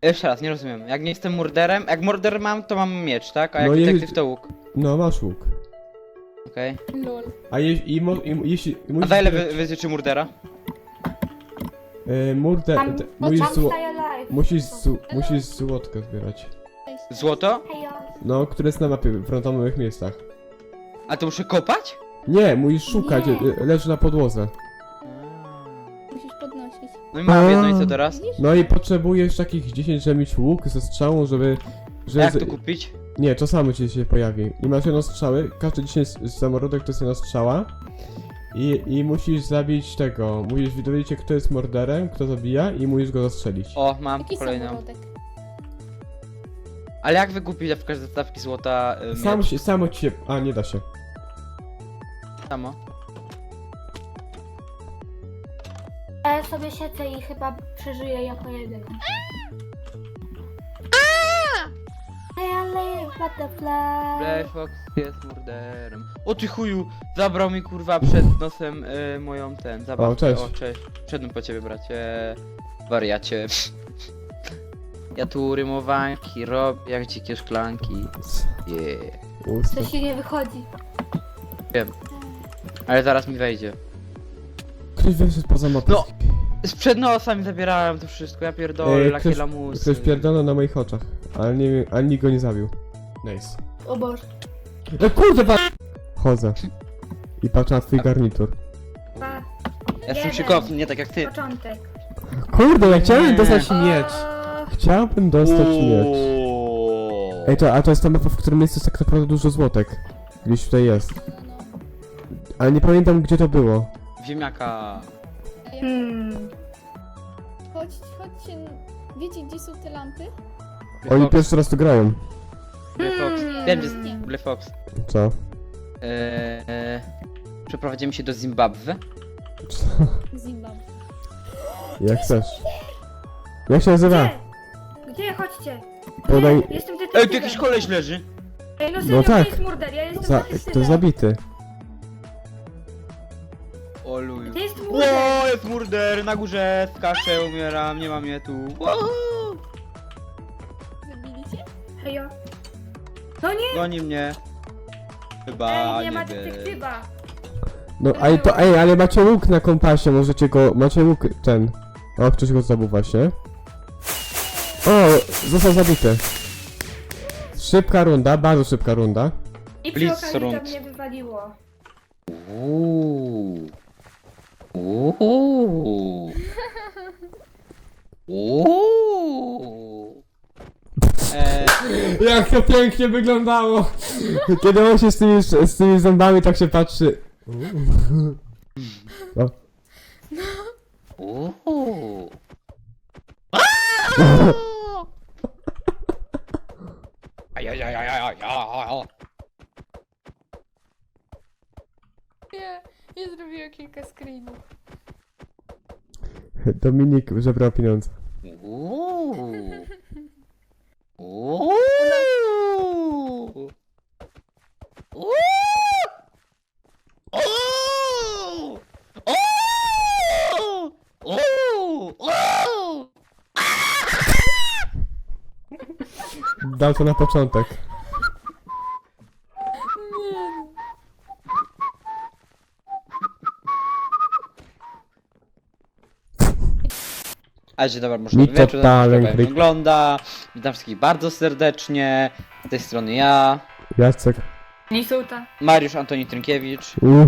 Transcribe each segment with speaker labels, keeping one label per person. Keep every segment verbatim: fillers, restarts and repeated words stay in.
Speaker 1: Jeszcze raz, nie rozumiem. Jak nie jestem murderem, jak murder mam, to mam miecz, tak? A jak
Speaker 2: No i-
Speaker 1: detektyw to łuk.
Speaker 2: No, masz łuk.
Speaker 1: Okej.
Speaker 3: Lol.
Speaker 2: A je, i, mo, i jeśli...
Speaker 1: A
Speaker 2: musisz
Speaker 1: za ile
Speaker 2: zbierać,
Speaker 1: wy, wyzyczy murdera?
Speaker 2: y, Murder...
Speaker 4: Tam-
Speaker 2: te-
Speaker 4: Bo
Speaker 2: musisz,
Speaker 4: tam
Speaker 2: zło,
Speaker 4: staje live.
Speaker 2: musisz, zł- musisz złotko zbierać.
Speaker 3: Cześć.
Speaker 1: Złoto?
Speaker 4: Hejo.
Speaker 2: No, które jest na mapie, w randomowych miejscach.
Speaker 1: A to muszę kopać?
Speaker 2: Nie, musisz szukać,
Speaker 4: Nie.
Speaker 2: y, leży na podłodze.
Speaker 3: Musisz podnosić.
Speaker 1: No i mam jedno i co teraz?
Speaker 3: Widzisz?
Speaker 2: No i potrzebujesz takich dziesięć, żeby mieć łuk ze strzałą, żeby...
Speaker 1: A
Speaker 2: żeby
Speaker 1: jak
Speaker 2: z-
Speaker 1: to kupić?
Speaker 2: Nie, to samo ci się pojawi. I masz jedną strzały, każdy dziesięć samorodek to jest jedna strzała. I, I musisz zabić tego, musisz dowiedzieć się, kto jest morderem, kto zabija i musisz go zastrzelić.
Speaker 1: O, mam
Speaker 3: Jaki
Speaker 1: kolejną.
Speaker 3: samorodek?
Speaker 1: Ale jak wykupić na przykład zestawki złota y,
Speaker 2: Sam
Speaker 1: miecz?
Speaker 2: się, samo ci się... A, nie da się.
Speaker 1: Samo?
Speaker 4: A ja sobie siedzę i chyba przeżyję jako jeden. Hey, I live butterfly.
Speaker 1: Black Fox jest murderem. O ty chuju! Zabrał mi kurwa przed nosem y, moją ten, zabawkę.
Speaker 2: O, cześć.
Speaker 1: O, cześć. Przedłem po ciebie, bracie. Wariacie. Ja tu rymowanki robię jak dzikie szklanki. Yeah.
Speaker 2: Usta.
Speaker 4: To się nie wychodzi.
Speaker 1: Ale zaraz mi wejdzie.
Speaker 2: Ktoś wyszedł poza mapę.
Speaker 1: No. Sprzed nosa mi zabierałem to wszystko, ja pierdolę,
Speaker 2: Ej,
Speaker 1: lakie
Speaker 2: ktoś-
Speaker 1: lamusy.
Speaker 2: Ktoś pierdolę na moich oczach, ale nie, ani nikt go nie zabił. Nice.
Speaker 4: O Boże.
Speaker 2: No kurde, pa... Chodzę. I patrzę na twój garnitur.
Speaker 4: Pa.
Speaker 1: Ja jestem
Speaker 4: Jeden.
Speaker 1: szykowny, nie tak jak ty.
Speaker 4: Początek.
Speaker 2: Kurde, ja chciałem
Speaker 1: Nie.
Speaker 2: dostać miecz.
Speaker 4: O,
Speaker 2: Chciałbym dostać miecz.
Speaker 1: Uuuu.
Speaker 2: Ej, to, a to jest ta mapa, w którym jest tak naprawdę dużo złotek. Gdzieś tutaj jest.
Speaker 3: No, no.
Speaker 2: Ale nie pamiętam, gdzie to było.
Speaker 1: Ziemniaka.
Speaker 3: A ja-
Speaker 4: Hmm.
Speaker 3: Chodź, chodźcie. Wiecie, gdzie są te lampy?
Speaker 1: Black
Speaker 2: Oni
Speaker 1: Fox.
Speaker 2: pierwszy raz tu grają.
Speaker 1: Black Fox.
Speaker 4: Hmm.
Speaker 1: Wiem, gdzie jest
Speaker 3: Nie.
Speaker 1: Black Fox.
Speaker 2: Co?
Speaker 1: Eee, przeprowadzimy się do Zimbabwe.
Speaker 2: Co?
Speaker 3: Zimbabwe.
Speaker 2: Jak chcesz. Jak się nazywa?
Speaker 4: Gdzie? Gdzie? Chodźcie.
Speaker 2: Podaj...
Speaker 4: Gdzie? Jestem detektywem.
Speaker 1: Ej, tu jakiś koleś leży.
Speaker 4: Ej, no serio,
Speaker 2: No
Speaker 4: to
Speaker 2: tak.
Speaker 4: jest murder, ja jestem
Speaker 2: Za...
Speaker 4: detektywem.
Speaker 2: To jest zabity.
Speaker 1: O luju.
Speaker 4: Gdzie jest murder?
Speaker 1: Ło, jest murder, na górze, skaczę, umieram, nie ma mnie tu. Ło,
Speaker 3: Zabili cię?
Speaker 4: Hejo. No nie!
Speaker 1: goni mnie. Chyba
Speaker 4: Ej, nie ma
Speaker 1: wiem.
Speaker 4: detektywa.
Speaker 2: No, ej, to, ej, ale macie łuk na kompasie, możecie go, macie łuk ten. O, ktoś go zabił właśnie. O, został zabity. Szybka runda, bardzo szybka runda.
Speaker 4: I przy
Speaker 1: Blitz
Speaker 4: okazji to
Speaker 1: rund.
Speaker 4: mnie wywaliło.
Speaker 1: Uuu. Uuu. Uuu. Eee,
Speaker 2: Jak to pięknie wyglądało! Kiedy on się z tymi, z tymi zębami tak się patrzy. O.
Speaker 1: uuu. Ajajajajajaj.
Speaker 3: Nie, ja zrobiłam kilka screenów.
Speaker 2: Dominik żebrał pieniądze.
Speaker 1: Uuu. Uuu. Uuu. Uuu. Uuu. Uuu.
Speaker 2: Dał to na początek.
Speaker 3: Nie.
Speaker 1: A dzień dobry, może
Speaker 2: Mi
Speaker 1: wieczór,
Speaker 2: totalny
Speaker 1: jak
Speaker 2: kryk.
Speaker 1: wygląda. Witam wszystkich bardzo serdecznie. Z tej strony ja,
Speaker 2: Jacek.
Speaker 4: Lisuta.
Speaker 1: Mariusz Antoni Trynkiewicz,
Speaker 2: Uh.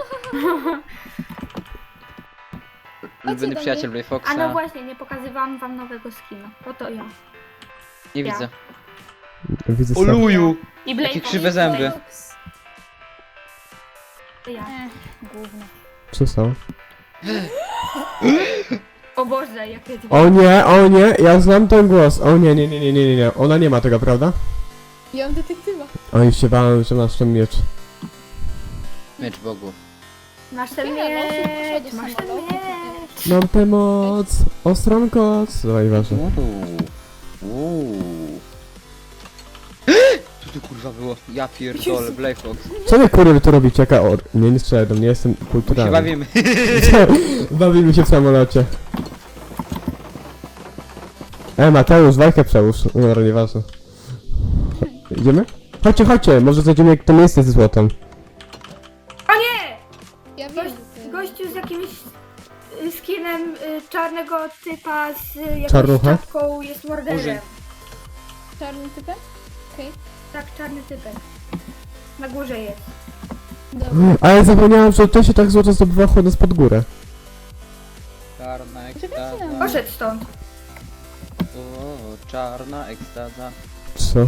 Speaker 1: ulubiony
Speaker 3: do
Speaker 1: przyjaciel
Speaker 3: mnie.
Speaker 1: Blay
Speaker 4: A no
Speaker 1: Foxa.
Speaker 4: właśnie, nie pokazywałam wam nowego skina. Oto ja.
Speaker 1: Nie
Speaker 4: ja.
Speaker 1: widzę.
Speaker 2: Widzę
Speaker 1: O
Speaker 2: sam.
Speaker 1: luju!
Speaker 4: I Blake
Speaker 1: Jakie krzywe zęby.
Speaker 3: Fox.
Speaker 4: To ja.
Speaker 3: Ech, gówno.
Speaker 2: Co są?
Speaker 4: O Boże, jakie dwie.
Speaker 2: O nie, o nie, ja znam ten głos. O nie, nie, nie, nie, nie, nie, nie. Ona nie ma tego, prawda?
Speaker 3: Ja mam detektywa.
Speaker 2: Oj, się bałem, że masz ten miecz.
Speaker 1: Miecz Bogu.
Speaker 4: Masz ten
Speaker 3: Ja, no, szybko
Speaker 4: miecz,
Speaker 3: do
Speaker 4: masz ten
Speaker 3: samolotu.
Speaker 4: miecz.
Speaker 2: Mam tę moc, ostrą koc. Dawaj, ważne.
Speaker 1: Uuu. Uuu. Co to kurwa było? Ja pierdolę, Blay Fox.
Speaker 2: Co wy kurwy tu robicie? Jaka or... Nie, nie strzelaj do mnie, jestem
Speaker 1: My się
Speaker 2: kulturalny.
Speaker 1: bawimy.
Speaker 2: Bawimy się w samolocie. E, Mateusz, walkę przełóż. No, dobra, nieważne. Idziemy? Chodźcie, chodźcie, może zajdziemy jak to miejsce ze złotem.
Speaker 4: O nie!
Speaker 3: Ja wiem,
Speaker 4: Gość,
Speaker 3: że ty-
Speaker 4: gościu z jakimś y, skinem y, czarnego typa z y, jakąś
Speaker 2: Czarnucha?
Speaker 4: czapką jest morderem.
Speaker 1: Murzyn.
Speaker 3: czarnym typem? Okej,
Speaker 4: Tak, czarny typek. Na górze jest.
Speaker 3: dobra.
Speaker 2: Ale zapomniałem, że to się tak złoto zdobywa chodząc pod górę.
Speaker 1: Czarna
Speaker 3: Czekajcie na
Speaker 1: ekstaza.
Speaker 4: Poszedł stąd.
Speaker 1: O, czarna ekstaza.
Speaker 2: Co?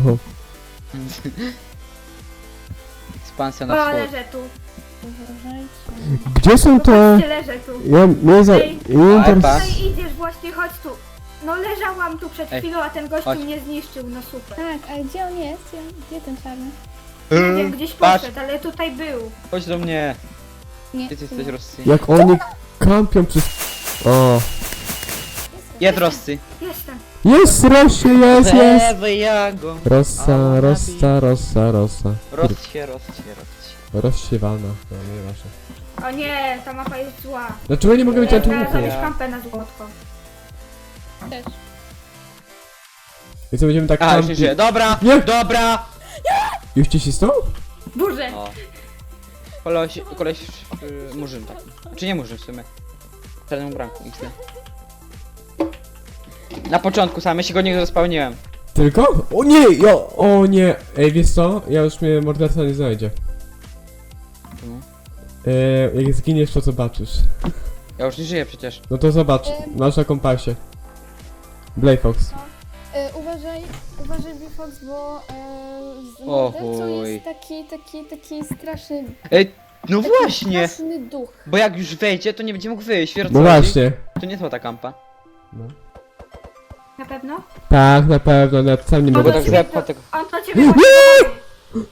Speaker 1: Ekspansja
Speaker 4: O,
Speaker 1: na wschód.
Speaker 4: leżę tu.
Speaker 3: Uważajcie.
Speaker 2: Gdzie są te...
Speaker 4: Ty leżę tu.
Speaker 2: Ja mnie za...
Speaker 4: Ej,
Speaker 2: Ja
Speaker 1: Ale
Speaker 2: tam...
Speaker 1: pa.
Speaker 4: Tutaj idziesz właśnie, chodź tu. No leżałam tu przed
Speaker 1: Ej,
Speaker 4: chwilą, a ten gościu
Speaker 1: chodź.
Speaker 4: mnie zniszczył, no super.
Speaker 3: Tak, a gdzie on jest? Gdzie, gdzie ten czarny?
Speaker 4: Nie wiem, gdzieś
Speaker 1: Patrz,
Speaker 4: poszedł, ale tutaj był.
Speaker 1: chodź do mnie.
Speaker 3: Nie.
Speaker 1: Ty, ty jesteś Rosji.
Speaker 2: Jak oni kampią przez... O.
Speaker 1: Jest Rosji.
Speaker 4: Jestem.
Speaker 2: Jest, rośnie, jest, jest!
Speaker 1: Lewy jago.
Speaker 2: Rossa, rossa, rossa, rossa.
Speaker 1: Rossie, Rossie, Rossie.
Speaker 2: Rozsiewana. No, nieważne.
Speaker 4: O nie, ta mapa jest zła.
Speaker 2: Dlaczego nie mogę mieć
Speaker 4: Ja
Speaker 2: tu
Speaker 4: teraz
Speaker 2: łuku?
Speaker 4: zrobić kampę na złotko.
Speaker 3: Też.
Speaker 2: I co, będziemy tak
Speaker 1: A, już nie
Speaker 2: kampić?
Speaker 1: żyje. Dobra,
Speaker 2: Nie.
Speaker 1: dobra.
Speaker 2: Już ci cisnął?
Speaker 4: Burzę.
Speaker 1: O. Koleś, koleś, yy, murzyn taki. Czy nie murzyn w sumie? W czarnym branku, X D. Na początku sam, ja się go nie rozpełniłem.
Speaker 2: Tylko? O nie, jo, o nie. Ej, wiesz co? Ja już mnie morderca nie znajdzie.
Speaker 1: Czemu?
Speaker 2: E, jak zginiesz, to zobaczysz.
Speaker 1: Ja już nie żyję przecież.
Speaker 2: No to zobacz,
Speaker 3: Em.
Speaker 2: masz na kompasie. Blayfox.
Speaker 3: E, uważaj, uważaj Bifox, bo e, z
Speaker 1: O
Speaker 3: mordercą
Speaker 1: chuj.
Speaker 3: jest taki, taki, taki straszny,
Speaker 1: Ej, no
Speaker 3: taki
Speaker 1: właśnie!
Speaker 3: straszny duch.
Speaker 1: Bo jak już wejdzie, to nie będzie mógł wyjść, wiesz o co
Speaker 2: No
Speaker 1: chodzi?
Speaker 2: właśnie.
Speaker 1: To nie złota kampa.
Speaker 2: No.
Speaker 4: Na pewno?
Speaker 2: Tak, na pewno, nawet sam nie
Speaker 4: Bo
Speaker 2: mogę
Speaker 1: tak
Speaker 4: to
Speaker 2: przy...
Speaker 1: za-
Speaker 4: ciebie,
Speaker 1: tego-
Speaker 4: on to ciebie właśnie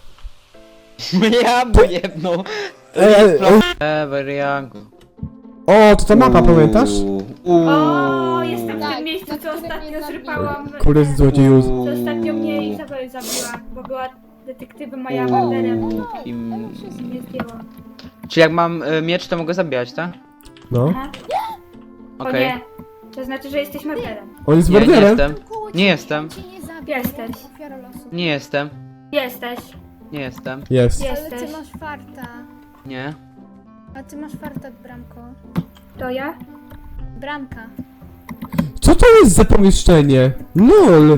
Speaker 1: Ja mu jedną.
Speaker 2: Ej, ej, ej.
Speaker 1: Ever Young.
Speaker 2: O, to ta mapa, pamiętasz?
Speaker 4: O, jestem w
Speaker 3: Tak,
Speaker 4: tym miejscu,
Speaker 3: na
Speaker 4: co
Speaker 3: którym
Speaker 4: ostatnio
Speaker 3: mnie zabił.
Speaker 4: zrypałam.
Speaker 2: Kurde z złodzieju.
Speaker 4: Co ostatnio mnie Izabel zabiła, bo była detektywem, a ja
Speaker 3: O,
Speaker 4: morderem.
Speaker 3: no,
Speaker 1: Kim-
Speaker 3: ale wszystko.
Speaker 4: Nie zdjęłam.
Speaker 1: Czyli jak mam y, miecz, to mogę zabijać, tak?
Speaker 2: No.
Speaker 4: Aha. O
Speaker 1: Okej.
Speaker 4: nie, to znaczy, że jesteś morderem.
Speaker 2: On jest
Speaker 1: Nie, nie
Speaker 2: morderem?
Speaker 1: jestem.
Speaker 3: Koło
Speaker 1: Nie
Speaker 3: ciebie,
Speaker 1: jestem.
Speaker 3: on cię nie zabił,
Speaker 4: Jesteś.
Speaker 3: jako ofiara losu.
Speaker 1: Nie jestem.
Speaker 4: Jesteś,
Speaker 1: Nie jestem.
Speaker 2: Jest.
Speaker 3: Ale
Speaker 4: jesteś.
Speaker 3: ty masz farta.
Speaker 1: Nie.
Speaker 3: A ty masz farta, Bramko.
Speaker 4: To ja?
Speaker 3: Bramka.
Speaker 2: Co to jest za pomieszczenie? LOL!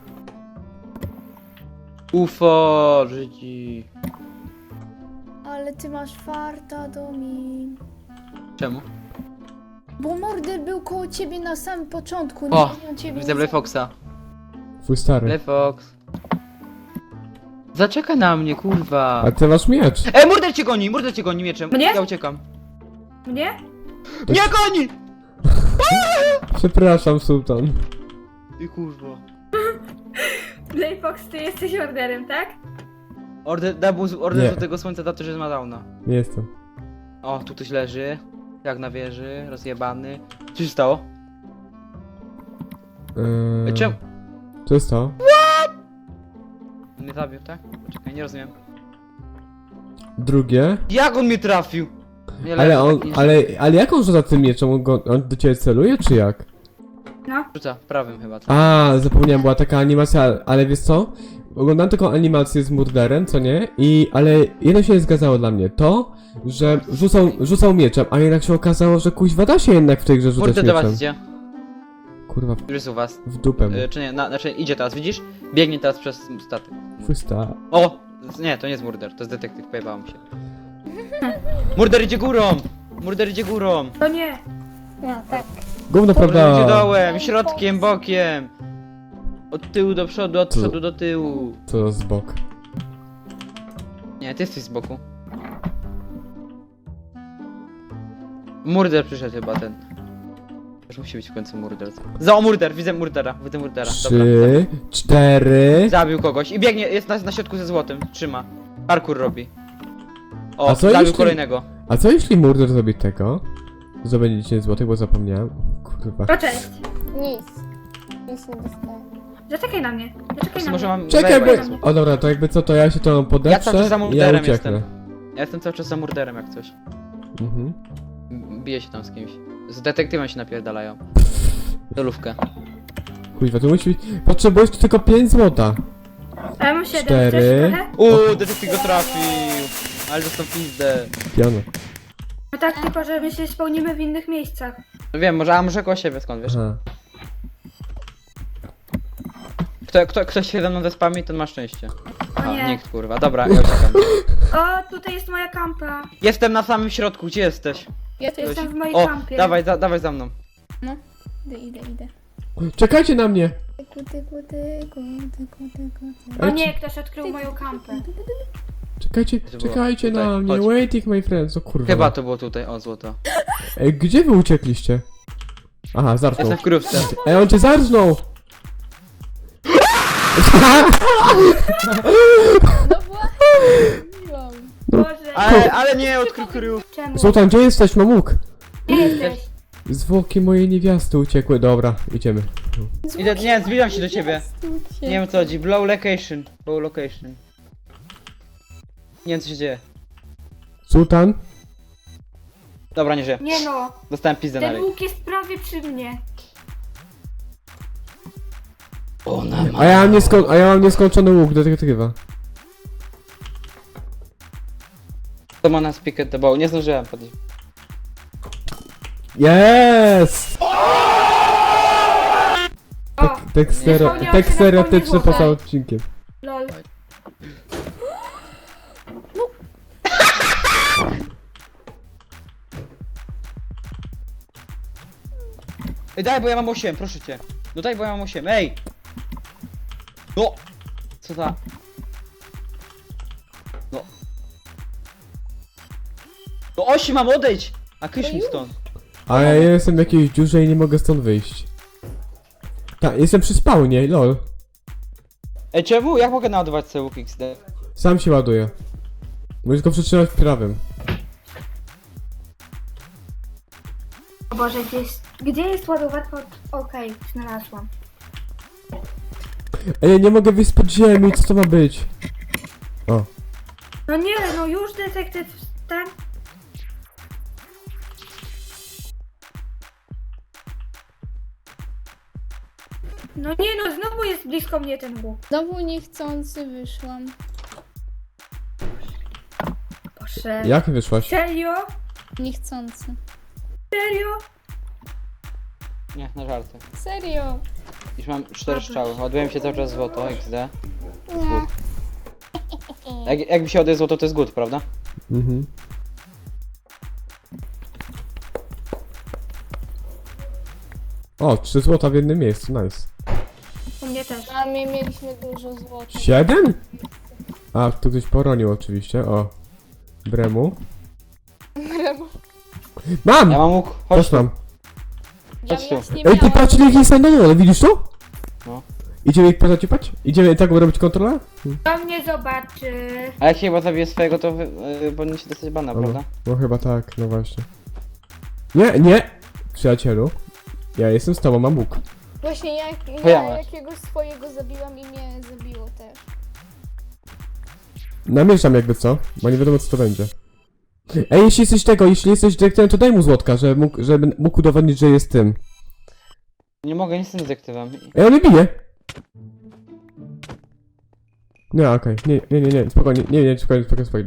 Speaker 1: UFO, Żydzi.
Speaker 3: Ale ty masz farta, Domin.
Speaker 1: Czemu?
Speaker 3: Bo morder był koło ciebie na samym początku.
Speaker 1: O,
Speaker 3: nie, on ciebie
Speaker 1: widzę
Speaker 3: nie
Speaker 1: Blue
Speaker 3: zabił.
Speaker 1: Foxa.
Speaker 2: Twój stary.
Speaker 1: Blue Fox. Zaczekaj na mnie, kurwa.
Speaker 2: A ty masz miecz.
Speaker 1: Ej, murder cię goni, murder cię goni mieczem.
Speaker 4: Mnie?
Speaker 1: Ja uciekam.
Speaker 4: Mnie?
Speaker 1: Nie goni!
Speaker 2: Przepraszam, Sultan.
Speaker 1: Ty kurwa.
Speaker 4: Playfox, ty jesteś morderem, tak?
Speaker 1: Order, double, order
Speaker 2: Nie.
Speaker 1: do tego słońca za to, że ma downa.
Speaker 2: Nie jestem.
Speaker 1: O, tu ktoś leży. Jak na wieży, rozjebany. Co się stało?
Speaker 2: Eee,
Speaker 1: Ej, czemu?
Speaker 2: Co jest to?
Speaker 1: On mnie zabił, tak? Poczekaj, nie rozumiem.
Speaker 2: Drugie.
Speaker 1: Jak on mnie trafił? Nie,
Speaker 2: Ale
Speaker 1: leży
Speaker 2: on,
Speaker 1: taki-
Speaker 2: ale, ale jak on rzuca tym mieczem? On, go, on do ciebie celuje, czy jak?
Speaker 4: No.
Speaker 1: Rzuca, prawym chyba. co?
Speaker 2: A, zapomniałem, była taka animacja, ale wiesz co? Oglądałem taką animację z murderem, co nie? I, ale jedno się nie zgadzało dla mnie. To, że rzucał, rzucał mieczem, a jednak się okazało, że kuźwa da się jednak w tej grze rzucać
Speaker 1: Murder do was
Speaker 2: mieczem.
Speaker 1: idzie.
Speaker 2: Kurwa,
Speaker 1: Już jest u was.
Speaker 2: w dupę mu.
Speaker 1: Y, czy nie, na, znaczy idzie teraz, widzisz? Biegnie teraz przez statek.
Speaker 2: Twój sta.
Speaker 1: O! z- Nie, to nie jest murder, to jest detektyw, pojebałem się. Murder idzie górą! Murder idzie górą!
Speaker 4: To nie.
Speaker 3: No, tak.
Speaker 2: Gówno,
Speaker 1: Murder idzie
Speaker 2: prawda?
Speaker 1: dołem, środkiem, bokiem! Od tyłu do przodu, od
Speaker 2: Co?
Speaker 1: przodu do tyłu.
Speaker 2: Co z bok.
Speaker 1: Nie, ty jesteś z boku. Murder przyszedł chyba ten. Już musi być w końcu murder. Za o murder, widzę murdera, widzę murdera. Dobra,
Speaker 2: Trzy, cztery.
Speaker 1: zabił kogoś i biegnie, jest na, na środku ze złotem, trzyma. Parkour robi. O,
Speaker 2: A co
Speaker 1: zabił
Speaker 2: jeśli-
Speaker 1: kolejnego.
Speaker 2: A co jeśli murder zrobi tego? Zdobędzie dziesięć złotych, bo zapomniałem. Kurwa.
Speaker 4: To cześć.
Speaker 3: Nic. Nic nie dostaję.
Speaker 4: Zaczekaj na mnie.
Speaker 1: Po
Speaker 4: Zaczekaj
Speaker 1: prostu
Speaker 4: na
Speaker 1: może
Speaker 4: mnie.
Speaker 1: mam
Speaker 2: Czekaj,
Speaker 1: zajebać.
Speaker 2: bo... O dobra, to jakby co, to ja się to
Speaker 1: Ja
Speaker 2: podeprę
Speaker 1: cały czas za
Speaker 2: i ja
Speaker 1: murderem
Speaker 2: ucieknę.
Speaker 1: jestem. Ja jestem cały czas za murderem jak coś.
Speaker 2: Mhm.
Speaker 1: M- Bije się tam z kimś. Z detektywem się napierdalają. Dolówkę.
Speaker 2: Kuźwa, to musi być... Potrzebujesz tu tylko pięć złota.
Speaker 4: A ja mam siedem,
Speaker 2: Cztery.
Speaker 4: chcesz trochę?
Speaker 1: Uuu, detektyw go trafił. Ale dostał pizdę.
Speaker 2: Piano.
Speaker 4: No tak, tylko że my się spełnimy w innych miejscach.
Speaker 1: No wiem, może, a może koło siebie, skąd wiesz?
Speaker 2: Aha.
Speaker 1: Kto, kto, ktoś się ze mną zespami, ten ma szczęście.
Speaker 4: O
Speaker 1: A,
Speaker 4: nie.
Speaker 1: nikt kurwa, dobra, ja uciekam.
Speaker 4: O, tutaj jest moja kampa.
Speaker 1: Jestem na samym środku, gdzie jesteś?
Speaker 3: Ja tu
Speaker 4: Jestem
Speaker 3: jestem.
Speaker 4: w mojej
Speaker 1: O,
Speaker 4: kampie.
Speaker 1: dawaj, za, dawaj za mną.
Speaker 3: No. Idę, idę, idę.
Speaker 2: Czekajcie na mnie!
Speaker 3: Tyku, tyku, tyku, tyku, tyku, tyku.
Speaker 4: O nie, ktoś odkrył moją kampę.
Speaker 2: Czekajcie,
Speaker 1: było
Speaker 2: czekajcie
Speaker 1: tutaj,
Speaker 2: na mnie,
Speaker 1: chodź.
Speaker 2: waiting my friends, o kurwa.
Speaker 1: Chyba to było tutaj, o złoto.
Speaker 2: Ej, gdzie wy uciekliście? Aha, zarżnął.
Speaker 1: Jestem w krówce.
Speaker 2: Ej, on cię zarżnął!
Speaker 3: No właśnie. Mówiłam.
Speaker 4: Boże,
Speaker 1: Ale, ale nie, odkrył kryjów.
Speaker 4: czemu?
Speaker 2: Zoltan, gdzie jesteś, mamuk?
Speaker 4: Gdzie jesteś?
Speaker 2: Zwłoki mojej niewiasty uciekły, dobra, idziemy.
Speaker 1: Idę, nie, zbliżam się do ciebie.
Speaker 3: Stójcie.
Speaker 1: Nie wiem o co chodzi, blow location. Blow location. Nie wiem co się dzieje.
Speaker 2: Sultan?
Speaker 1: Dobra, nie żyję.
Speaker 4: Nie no,
Speaker 1: Dostałem pizdę na
Speaker 4: ten
Speaker 1: ryj.
Speaker 4: łuk jest prawie przy mnie.
Speaker 1: Ona ma.
Speaker 2: A ja mam, niesko a ja mam nieskończony łuk detektywa.
Speaker 1: To ma nas pick at the bow. Nie zdążyłem podejść.
Speaker 2: Yes!
Speaker 4: O,
Speaker 2: Tek
Speaker 4: Nie
Speaker 2: stero
Speaker 4: spełniało
Speaker 2: tek
Speaker 4: się na
Speaker 2: stereotyczny
Speaker 4: pełni
Speaker 2: poza
Speaker 4: złota.
Speaker 2: odcinkiem.
Speaker 4: lol.
Speaker 1: Ej, daj, bo ja mam osiem, proszę cię. No daj, bo ja mam osiem, ej! No! Co za... No. No osiem mam, odejdź! A kysz mi stąd.
Speaker 2: A ja jestem w jakiejś dziurze i nie mogę stąd wyjść. Tak, jestem przy spawnie, lol.
Speaker 1: Ej, czemu? Jak mogę naładować sobie łuk X D?
Speaker 2: Sam się ładuje. Musisz go przytrzymać prawym.
Speaker 4: O Boże, gdzie jest, gdzie jest ładowarka? od- Okej, znalazłam.
Speaker 2: Ej, ja nie mogę wyjść spod ziemi, co to ma być? O.
Speaker 4: No nie, no już detektyw ten. No nie no, znowu jest blisko mnie ten łuk.
Speaker 3: Znowu niechcący wyszłam.
Speaker 4: Boże.
Speaker 2: Jak wyszłaś?
Speaker 4: Serio?
Speaker 3: Niechcący.
Speaker 4: Serio?
Speaker 1: Nie, na żarty.
Speaker 3: Serio.
Speaker 1: Już mam cztery strzały, ładuję się cały czas złoto, X D.
Speaker 3: Nie.
Speaker 1: Jak, jak mi się ładuje złoto, to jest good, prawda?
Speaker 2: Mhm. O, trzy złota w jednym miejscu, nice.
Speaker 4: U mnie też.
Speaker 3: A my mieliśmy dużo złota.
Speaker 2: Siedem? A, tu ktoś poronił oczywiście, o. Bremu. Mam!
Speaker 1: Ja mam łuk, chodź
Speaker 2: Też
Speaker 1: tu.
Speaker 2: mam.
Speaker 3: Ja
Speaker 1: Chodź tu.
Speaker 3: właśnie
Speaker 2: Ej, ty
Speaker 3: miałam-
Speaker 2: patrz, jaki jest na dole, widzisz to?
Speaker 1: No.
Speaker 2: Idziemy ich pozaciepać? Idziemy tak robić kontrolę?
Speaker 4: To mnie zobaczy.
Speaker 1: A jak chyba zabiję swojego, to wy, yy, powinien się dostać bana,
Speaker 2: No,
Speaker 1: prawda?
Speaker 2: no chyba tak, no właśnie. Nie, nie! Przyjacielu. Ja jestem z tobą, mam łuk.
Speaker 3: Właśnie jak,
Speaker 1: To ja
Speaker 3: ja
Speaker 1: mam.
Speaker 3: jakiegoś swojego zabiłam i mnie zabiło też.
Speaker 2: Namieszam jakby co, bo nie wiadomo co to będzie. Ej, jeśli jesteś tego, jeśli jesteś dyrektorem, to daj mu złotka, żeby mógł, żeby mógł udowodnić, że jest tym.
Speaker 1: Nie mogę, nie jestem detektywem.
Speaker 2: Ej, on mnie bije! Nie, okej, nie, nie, nie, nie, spokojnie, nie, nie, spokojnie, spokojnie, spokojnie.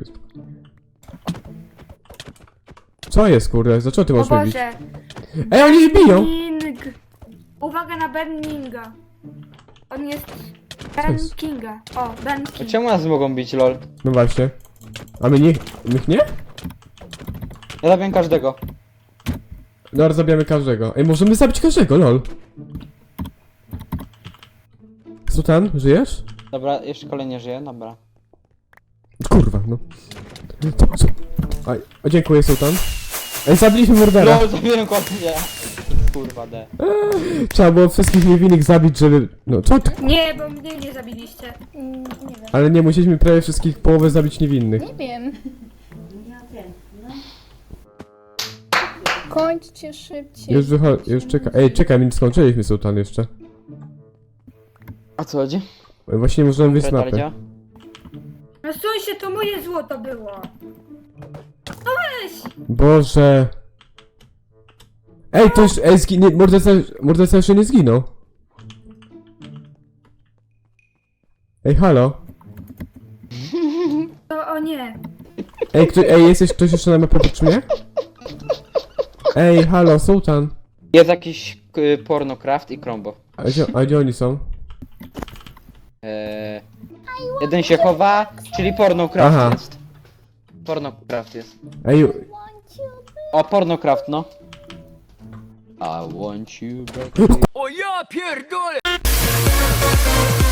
Speaker 2: Co jest, kurde, za co ty
Speaker 4: O
Speaker 2: możesz mnie bić?
Speaker 4: Boże.
Speaker 2: Ej, oni mnie biją!
Speaker 4: King. Uwaga na Benninga. On jest
Speaker 2: Co
Speaker 4: Ben
Speaker 2: jest?
Speaker 4: Kinga. O, Ben
Speaker 1: A
Speaker 4: King.
Speaker 1: czemu nas mogą bić, lol?
Speaker 2: No właśnie. A my nie, my nie?
Speaker 1: Ja zabiję każdego.
Speaker 2: No, zabijamy każdego. Ej, możemy zabić każdego, lol. Sultan, żyjesz?
Speaker 1: Dobra, jeszcze kolejny żyje, dobra.
Speaker 2: Kurwa, no. Co, co? Aj, o, dziękuję, Sultan. Ej, zabiliśmy mordera.
Speaker 1: LOL, zabiłem kotnie. Kurwa, D.
Speaker 2: Trzeba było wszystkich niewinnych zabić, żeby... No, co ty?
Speaker 4: Nie, bo mnie nie zabiliście.
Speaker 3: Mm, nie wiem.
Speaker 2: Ale nie, musieliśmy prawie wszystkich połowę zabić niewinnych.
Speaker 3: Nie wiem. Kończcie szybciej.
Speaker 2: Już wychodzi, już czeka. Ej, czekaj, my nie skończyliśmy, Sultan, jeszcze.
Speaker 1: A co chodzi?
Speaker 2: Ej, właśnie nie możemy wyjść z mapy.
Speaker 1: Petardzia?
Speaker 4: No suń się, to moje złoto było.
Speaker 2: Boże. Ej, to już... Ej, zginie... Morderca, morderca jeszcze nie zginął. Ej, halo?
Speaker 4: O, o nie.
Speaker 2: Ej, kto, ej, jesteś ktoś jeszcze na mapie oprócz mnie? Ej, halo, Sultan.
Speaker 1: Jest jakiś y, pornocraft i Krombo.
Speaker 2: A gdzie, a gdzie oni są?
Speaker 1: Eee, jeden się chowa, czyli pornocraft
Speaker 2: Aha.
Speaker 1: jest. Pornocraft jest.
Speaker 2: Ej,
Speaker 1: O, pornocraft, no. I want you back.
Speaker 5: O ja pierdolę!